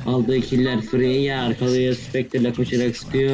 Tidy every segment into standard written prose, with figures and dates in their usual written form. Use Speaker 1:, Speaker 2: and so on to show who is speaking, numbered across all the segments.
Speaker 1: Aldığı killer free arkalıyor, Spectre'la koşarak sıkıyor.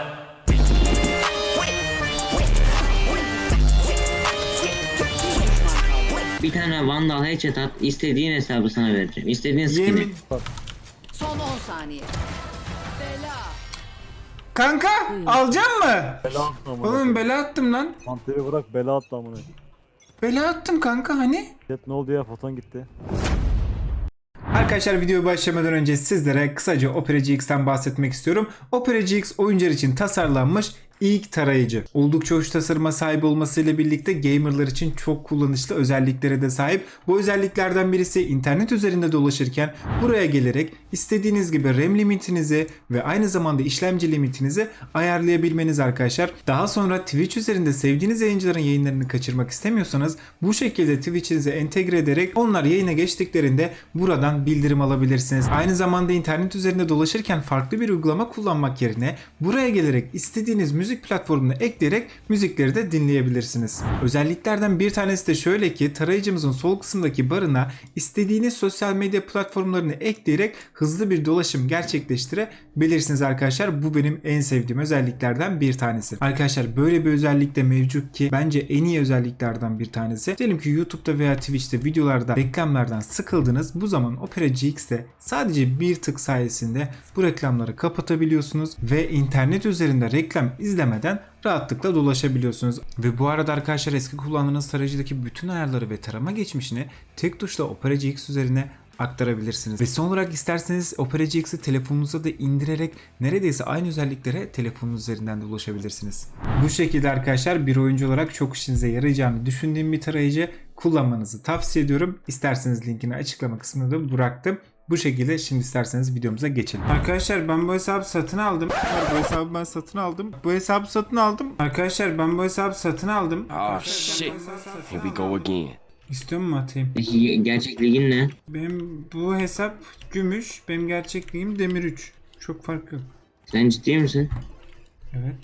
Speaker 1: Bir tane Vandal headshot at, istediğin hesabı sana vereceğim. İstediğin skin'i.
Speaker 2: Yemin.
Speaker 3: Son 10 saniye. Bela.
Speaker 2: Kanka alacak mı?
Speaker 4: Bela attı amına.
Speaker 2: Oğlum bela attım lan.
Speaker 4: Manteri bırak bela attı amına.
Speaker 2: Bela attım kanka hani?
Speaker 4: Jet ne oldu ya, foton gitti.
Speaker 2: Arkadaşlar videoya başlamadan önce sizlere kısaca Opera GX'ten bahsetmek istiyorum. Opera GX oyuncular için tasarlanmış ilk tarayıcı. Oldukça hoş tasarıma sahip olmasıyla birlikte gamerlar için çok kullanışlı özelliklere de sahip. Bu özelliklerden birisi internet üzerinde dolaşırken buraya gelerek istediğiniz gibi RAM limitinizi ve aynı zamanda işlemci limitinizi ayarlayabilmeniz arkadaşlar. Daha sonra Twitch üzerinde sevdiğiniz yayıncıların yayınlarını kaçırmak istemiyorsanız bu şekilde Twitch'inize entegre ederek onlar yayına geçtiklerinde buradan bildirim alabilirsiniz. Aynı zamanda internet üzerinde dolaşırken farklı bir uygulama kullanmak yerine buraya gelerek istediğiniz müzik platformuna ekleyerek müzikleri de dinleyebilirsiniz. Özelliklerden bir tanesi de şöyle ki tarayıcımızın sol kısımdaki barına istediğiniz sosyal medya platformlarını ekleyerek hızlı bir dolaşım gerçekleştirebilirsiniz arkadaşlar. Bu benim en sevdiğim özelliklerden bir tanesi. Arkadaşlar böyle bir özellik de mevcut ki bence en iyi özelliklerden bir tanesi. Diyelim ki YouTube'da veya Twitch'te videolarda reklamlardan sıkıldınız. Bu zaman Opera GX'te sadece bir tık sayesinde bu reklamları kapatabiliyorsunuz ve internet üzerinde reklam izlemeden rahatlıkla dolaşabiliyorsunuz. Ve bu arada arkadaşlar eski kullandığınız tarayıcıdaki bütün ayarları ve tarama geçmişini tek tuşla Opera GX üzerine aktarabilirsiniz. Ve son olarak isterseniz Opera GX'i telefonunuza da indirerek neredeyse aynı özelliklere telefonunuz üzerinden de ulaşabilirsiniz. Bu şekilde arkadaşlar bir oyuncu olarak çok işinize yarayacağını düşündüğüm bir tarayıcı kullanmanızı tavsiye ediyorum. İsterseniz linkini açıklama kısmına da bıraktım. Bu şekilde şimdi isterseniz videomuza geçelim. Arkadaşlar ben bu hesabı satın aldım. Bu hesabı ben satın aldım. Bu hesabı satın aldım. Arkadaşlar ben bu hesabı satın aldım.
Speaker 5: Oh shit. Here we go again.
Speaker 2: İstiyor mu atayım?
Speaker 1: Peki gerçek ligin ne?
Speaker 2: Benim bu hesap gümüş. Benim gerçekliğim demir 3. Çok fark yok.
Speaker 1: Sen ciddi misin?
Speaker 2: Evet.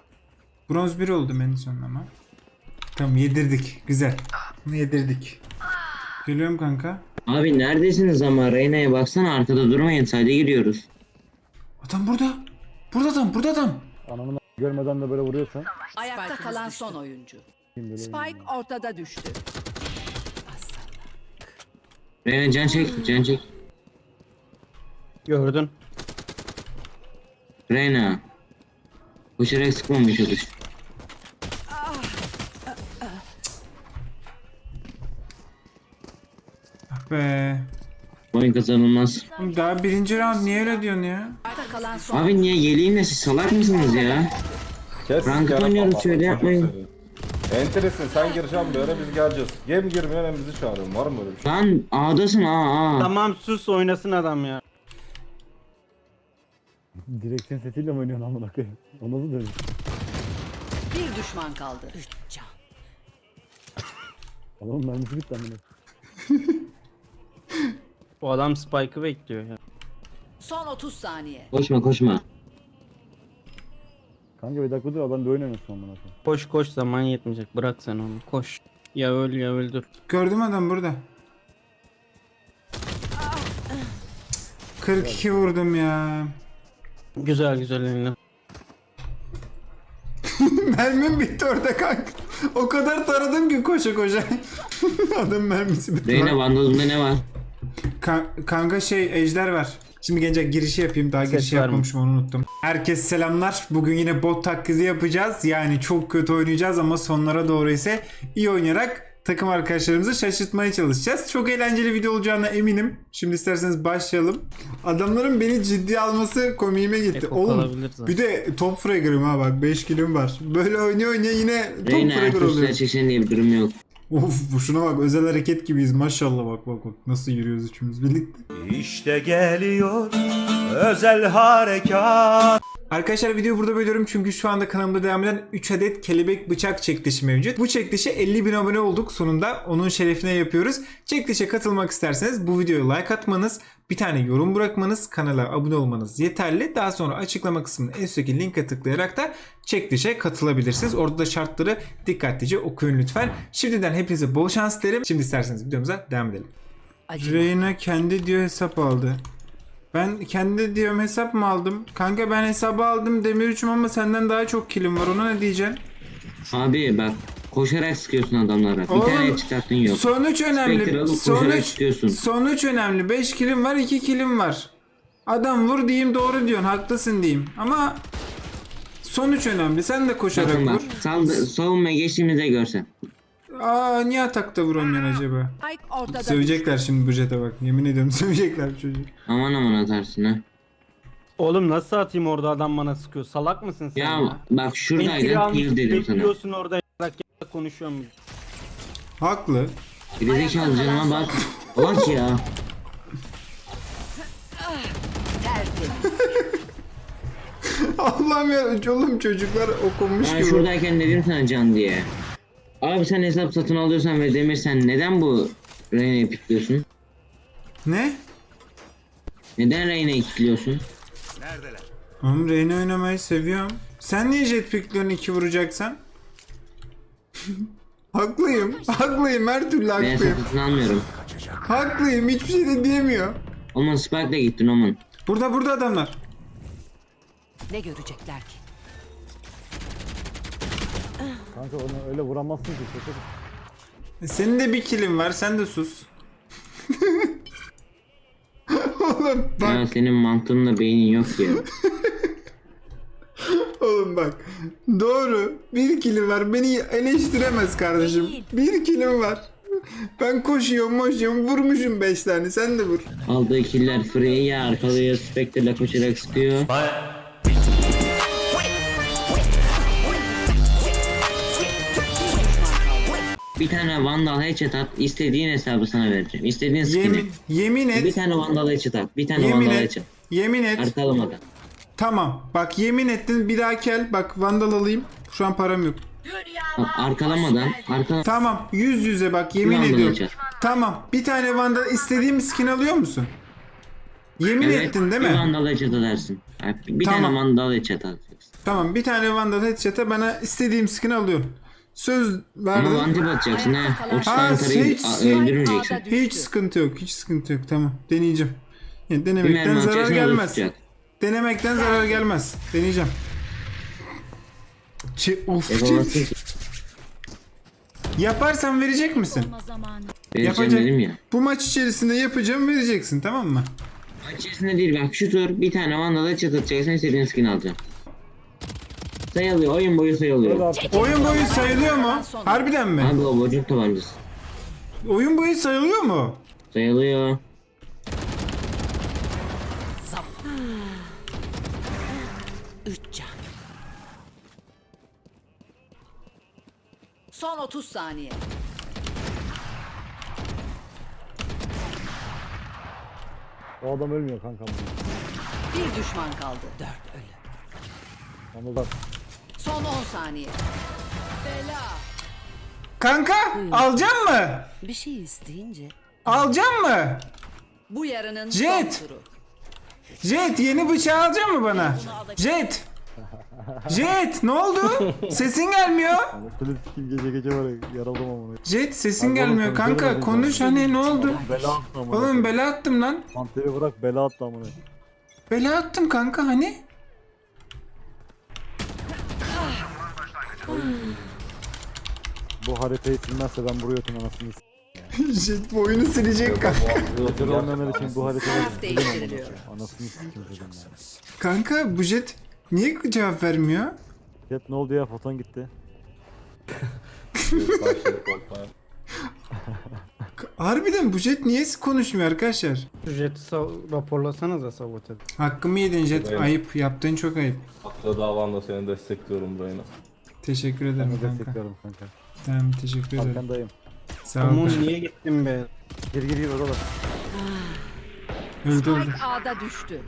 Speaker 2: Bronz 1 oldum en son ama. Tamam yedirdik. Güzel. Bunu yedirdik. Geliyorum kanka.
Speaker 1: Abi neredesiniz ama Reyna'ya baksana, arkada durmayın, sadece giriyoruz.
Speaker 2: Adam burada. Burada adam. Burada adam.
Speaker 4: Anamını görmeden de böyle vuruyorsan.
Speaker 3: Ayakta kalan son oyuncu.
Speaker 4: Kim böyle
Speaker 3: Spike ortada düştü.
Speaker 1: Reyna can çek, can çek.
Speaker 6: Gördün.
Speaker 1: Reyna. Koşarak sıkmamaya çalış.
Speaker 2: Ah be.
Speaker 1: Oyun kazanılmaz.
Speaker 2: Oğlum daha birinci round niye öyle diyorsun ya?
Speaker 3: Ayakta kalan son.
Speaker 1: Abi niye geleyim, siz salak mısınız ya?
Speaker 7: Kes
Speaker 1: Ranked
Speaker 7: yarın
Speaker 1: oynuyoruz,
Speaker 7: baba,
Speaker 1: şöyle
Speaker 7: çocuk
Speaker 1: yapmayın.
Speaker 7: seni. Enteresin, sen gireceksin bir ara biz geleceğiz. Gem girmeyen hem bizi çağırın, var mı öyle bir şey?
Speaker 1: Lan A'dasın A.
Speaker 6: Tamam sus oynasın adam ya.
Speaker 4: direksiyon sesiyle mi oynuyorsun amına koyayım? O nasıl dönüyor?
Speaker 3: Bir düşman kaldı.
Speaker 4: Adamın mermisi bitti amına.
Speaker 6: Bu adam Spike'ı bekliyor ya.
Speaker 3: Son 30 saniye.
Speaker 1: Koşma koşma.
Speaker 4: Kanka bir dakika dur, adam bir oyun oynasın amına koyayım.
Speaker 6: Koş koş, zaman yetmeyecek, bırak sen onu, koş. Ya öl ya öldür.
Speaker 2: Gördüm adam burada. 42 vurdum ya.
Speaker 6: Güzel güzel eline.
Speaker 2: Mermim bitti orada kanka. O kadar taradım ki koşa koşa. Adam mermisi bitti.
Speaker 1: Reyna bandozunda ne var?
Speaker 2: Kanka şey ejder var. Şimdi gençler girişi yapayım. Daha girişi
Speaker 6: var mı?
Speaker 2: yapmamışım, onu unuttum. Herkese selamlar. Bugün yine bot taklidi yapacağız. Yani çok kötü oynayacağız ama sonlara doğru ise iyi oynayarak takım arkadaşlarımızı şaşırtmaya çalışacağız. Çok eğlenceli video olacağına eminim. Şimdi isterseniz başlayalım. Adamların beni ciddiye alması komiğime gitti.
Speaker 6: Eko
Speaker 2: Oğlum
Speaker 6: kalabilir zaten.
Speaker 2: bir de top fragger'ım ha bak, 5 kilom var. Böyle oynuyor yine top
Speaker 1: Reyna
Speaker 2: fragger
Speaker 1: Ertuğrul
Speaker 2: oluyor.
Speaker 1: çeksen diye bir durum yok.
Speaker 2: Of bu şuna bak, özel hareket gibiyiz maşallah, bak nasıl yürüyoruz üçümüz birlikte.
Speaker 8: İşte geliyor özel harekat.
Speaker 2: Arkadaşlar videoyu burada bölüyorum çünkü şu anda kanalımda devam eden 3 adet kelebek bıçak çekilişi mevcut. Bu çekilişe 50.000 abone olduk sonunda, onun şerefine yapıyoruz. Çekilişe katılmak isterseniz bu videoya like atmanız, bir tane yorum bırakmanız, kanala abone olmanız yeterli. Daha sonra açıklama kısmının en üstteki linke tıklayarak da çekilişe katılabilirsiniz. Orada da şartları dikkatlice okuyun lütfen. Şimdiden hepinize bol şans dilerim. Şimdi isterseniz videomuza devam edelim.
Speaker 3: Acıma.
Speaker 2: Reyna kendi diyor hesap aldı. Ben kendi diyorum hesap mı aldım? Kanka ben hesabı aldım demir üçüm ama senden daha çok kilim var. Ona ne diyeceksin?
Speaker 1: Abi bak koşarak sıkıyorsun adamlara. Bir tane çıkarttın yok.
Speaker 2: Sonuç
Speaker 1: Spectre
Speaker 2: önemli.
Speaker 1: alıp koşarak
Speaker 2: Sonuç,
Speaker 1: sıkıyorsun.
Speaker 2: sonuç önemli. 5 kilim var, 2 kilim var. Adam vur diyeyim, doğru diyorsun, haklısın diyeyim. Ama sonuç önemli. Sen de koşarak
Speaker 1: Bakın bak
Speaker 2: vur.
Speaker 1: savunmaya geçtiğimizde görsen.
Speaker 2: Aa, niye atakta vuramıyorsun acaba?
Speaker 3: Spike ortada
Speaker 2: Sövecekler şimdi bu jete bak. Yemin ediyorum sövecekler bu çocuğu.
Speaker 1: Aman aman atarsın ha.
Speaker 6: Oğlum nasıl atayım orada adam bana sıkıyor? Salak mısın sen ya?
Speaker 1: Ya bak
Speaker 6: Entry
Speaker 1: şuradaydın
Speaker 6: almış,
Speaker 1: heal dedim sana.
Speaker 6: bekliyorsun orada yarak konuşuyorum.
Speaker 2: Haklı.
Speaker 1: Gerizekalı canıma bak. Bak ya.
Speaker 3: tertemiz.
Speaker 2: Allah'ım ya, oğlum çocuklar okumuş
Speaker 1: Ben
Speaker 2: gibi.
Speaker 1: şuradayken dedim sana can diye. Abi sen hesap satın alıyorsan ve Demir sen neden bu Reyna'yı pikliyorsun?
Speaker 2: Ne?
Speaker 1: Neden Reyna'yı kilitliyorsun?
Speaker 2: Oğlum Reyna oynamayı seviyorum. Sen niye jetpack'lerini 2 vuracaksan? Haklıyım. Haklıyım. Her türlü
Speaker 1: Ben hesap
Speaker 2: haklıyım.
Speaker 1: satın almıyorum.
Speaker 2: Haklıyım. Hiçbir şey de diyemiyor.
Speaker 1: Oman Spike'la gittin Oman.
Speaker 2: Burada adamlar.
Speaker 3: Ne görecekler ki?
Speaker 4: Kanka onu öyle vuramazsın ki. Şaka.
Speaker 2: Senin de bir killin var. Sen de sus. Oğlum bak.
Speaker 1: Ya senin mantığınla beynin yok ya.
Speaker 2: Oğlum bak. Doğru. Bir killim var. Beni eleştiremez kardeşim. Bir killim var. Ben koşuyorum vurmuşum 5 tane. Sen de vur.
Speaker 1: Aldığı killer free ya arkalıyor Spectre'la koşarak sıkıyor. Bir tane Vandal headshot at, istediğin hesabı sana vereceğim. İstediğin skin'i.
Speaker 2: Yemin
Speaker 1: Bir
Speaker 2: et.
Speaker 1: tane Vandal headshot at, bir tane
Speaker 2: Yemin
Speaker 1: Vandal
Speaker 2: et.
Speaker 1: headshot.
Speaker 2: Yemin et.
Speaker 1: Arkalamadan.
Speaker 2: Tamam. Bak yemin ettin. Bir daha gel. Bak Vandal alayım. Şu an param yok.
Speaker 1: Bak, arkalamadan.
Speaker 2: Tamam. Yüz yüze bak. Yemin
Speaker 1: Vandal
Speaker 2: ediyorum.
Speaker 1: headshot.
Speaker 2: Tamam. Bir tane Vandal istediğim skin alıyor musun? Yemin
Speaker 1: Evet,
Speaker 2: ettin değil
Speaker 1: bir
Speaker 2: mi?
Speaker 1: Vandal headshot atarsın. Bir
Speaker 2: Tamam.
Speaker 1: tane Vandal headshot atacaksın.
Speaker 2: Tamam. Bir tane Vandal headshot'a bana istediğim skin alıyorum. Söz
Speaker 1: Ama
Speaker 2: verdim.
Speaker 1: vantip atacaksın ha. 30
Speaker 2: Ha,
Speaker 1: tane tarayı
Speaker 2: hiç-
Speaker 1: öldürmeyeceksin.
Speaker 3: Ağda
Speaker 2: Hiç
Speaker 3: düştü.
Speaker 2: sıkıntı yok. Hiç sıkıntı yok. Tamam. Deneyeceğim. Yani
Speaker 1: Bir
Speaker 2: denemekten
Speaker 1: mermi
Speaker 2: zarar
Speaker 1: atacaksın o da
Speaker 2: gelmez.
Speaker 1: tutacak.
Speaker 2: Denemekten zarar gelmez. Deneyeceğim. Of.
Speaker 1: Yapamazsın ki.
Speaker 2: Yaparsan verecek misin?
Speaker 1: Vereceğim
Speaker 2: Yapacak.
Speaker 1: dedim ya.
Speaker 2: Bu maç içerisinde yapacağım, vereceksin, tamam mı?
Speaker 1: Maç içerisinde değil bak şu tur bir tane Vandal'a headshot atacaksın istediğin skin alacaksın. Sayılıyor oyun boyu
Speaker 4: Öyle
Speaker 1: sayılıyor.
Speaker 4: artık.
Speaker 2: Oyun boyu sayılıyor mu? Harbiden mi?
Speaker 1: Abi o bocuk tabancası.
Speaker 2: Oyun boyu sayılıyor mu?
Speaker 1: Sayılıyor.
Speaker 3: Üç can. Son 30 saniye.
Speaker 4: O adam ölmüyor kanka.
Speaker 3: Bir düşman kaldı. 4 ölü.
Speaker 4: Anladım.
Speaker 3: Son 10 saniye. Bela.
Speaker 2: Kanka, alacak mı?
Speaker 3: Bir şey isteyince
Speaker 2: Alacak mı?
Speaker 3: bu yarının
Speaker 2: Jet.
Speaker 3: son turu.
Speaker 2: Jet, yeni bıçağı alacak mı bana? Jet. Jet, ne oldu? Sesin gelmiyor.
Speaker 4: Kılıç kim gece var ya, yaraldım ama.
Speaker 2: Jet, sesin
Speaker 4: Abi
Speaker 2: gelmiyor
Speaker 4: oğlum,
Speaker 2: kanka.
Speaker 4: konuşalım
Speaker 2: Konuş hani, ne oldu?
Speaker 4: Bela attı amına.
Speaker 2: Oğlum bela attım lan.
Speaker 4: Panteri bırak bela attı amına.
Speaker 2: Bela attım kanka hani.
Speaker 4: Bu haritayı silmezse ben buraya atayım anasını s***.
Speaker 2: Jet bu oyunu silecek kanka.
Speaker 4: Joker olmayan için bu haritayı
Speaker 3: Taraf değiştiriliyor.
Speaker 4: anasını s***im dedim ya.
Speaker 2: Kanka bu Jet niye cevap vermiyor?
Speaker 4: Jet ne oldu ya, foton gitti.
Speaker 2: Harbiden bu Jet niye konuşmuyor arkadaşlar?
Speaker 6: Şu jeti raporlasanıza sabote.
Speaker 2: Hakkımı yedin Jet.
Speaker 7: Evet.
Speaker 2: Ayıp. Yaptığın çok ayıp.
Speaker 7: Haklı davanda seni destekliyorum Reyna.
Speaker 2: Teşekkür
Speaker 4: Ben
Speaker 2: ederim
Speaker 4: de
Speaker 2: kanka.
Speaker 4: destekliyorum kanka.
Speaker 2: Tamam, teşekkür ederim.
Speaker 4: Arkandayım.
Speaker 2: Sağ ol.
Speaker 6: Aman
Speaker 2: kanka.
Speaker 6: niye gittin be?
Speaker 4: Gir orada.
Speaker 2: Öldü öldü.
Speaker 3: Spike A'da düştü.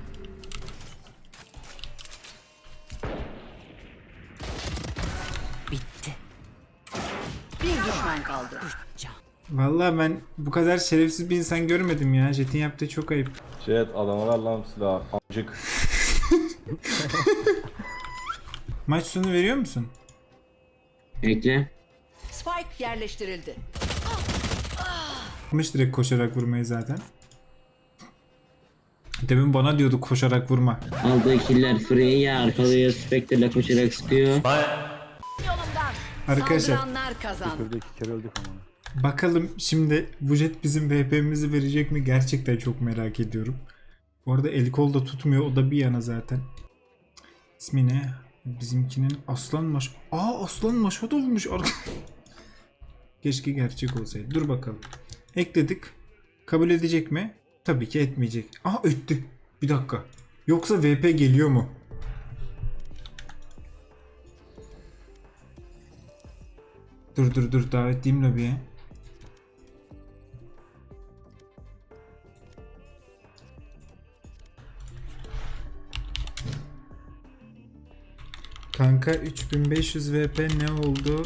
Speaker 3: Bitti. Bir düşman kaldı. Can.
Speaker 2: Vallahi ben bu kadar şerefsiz bir insan görmedim ya. Jet'in yaptığı çok ayıp.
Speaker 7: Jet adama ver lan silahı. Amcık.
Speaker 2: Maç sonu veriyor musun?
Speaker 1: Bekle.
Speaker 3: Spike yerleştirildi.
Speaker 2: Mış direkt koşarak vurmayı zaten. Demin bana diyordu koşarak vurma.
Speaker 1: Aldığı killer Freya arkalıyor. Spectre'la koşarak sıkıyor.
Speaker 2: Arkadaşlar
Speaker 3: Saldıranlar kazandı.
Speaker 4: Şurada 2 kere öldük ama.
Speaker 2: bakalım şimdi bu jet bizim VP'mizi verecek mi? Gerçekten çok merak ediyorum. Bu arada el kol da tutmuyor. O da bir yana zaten. İsmi ne? Bizimkinin Aslan Maş... Aslan Maşad olmuş. Keşke gerçek olsaydı. Dur bakalım. Ekledik. Kabul edecek mi? Tabii ki etmeyecek. Etti. Bir dakika. Yoksa VP geliyor mu? Dur davet edeyim lobiye. Kanka 3500 VP ne oldu?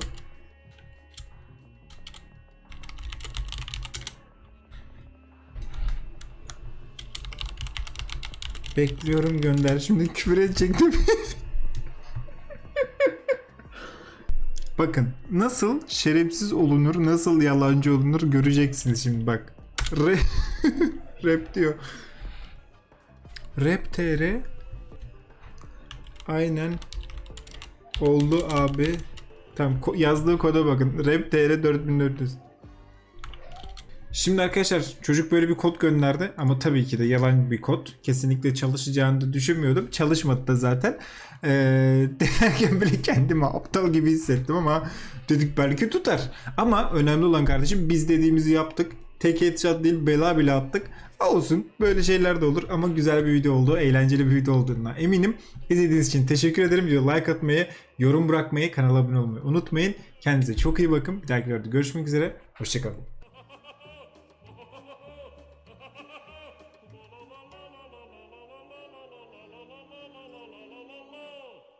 Speaker 2: Bekliyorum gönder. Şimdi küfür edecektim. Bakın nasıl şerefsiz olunur, nasıl yalancı olunur göreceksiniz şimdi bak. Rap diyor. Rap TR aynen oldu abi. Tamam yazdığı koda bakın. Rap TR 4400. Şimdi arkadaşlar çocuk böyle bir kod gönderdi ama tabii ki de yalan bir kod. Kesinlikle çalışacağını da düşünmüyordum. Çalışmadı da zaten. Denerken bile kendimi aptal gibi hissettim ama dedik belki tutar. Ama önemli olan kardeşim biz dediğimizi yaptık. Tek headshot değil bela bile attık. Olsun böyle şeyler de olur ama güzel bir video oldu. Eğlenceli bir video olduğuna eminim. İzlediğiniz için teşekkür ederim. Like atmayı, yorum bırakmayı, kanala abone olmayı unutmayın. Kendinize çok iyi bakın. Bir dahaki videoda görüşmek üzere. Hoşçakalın.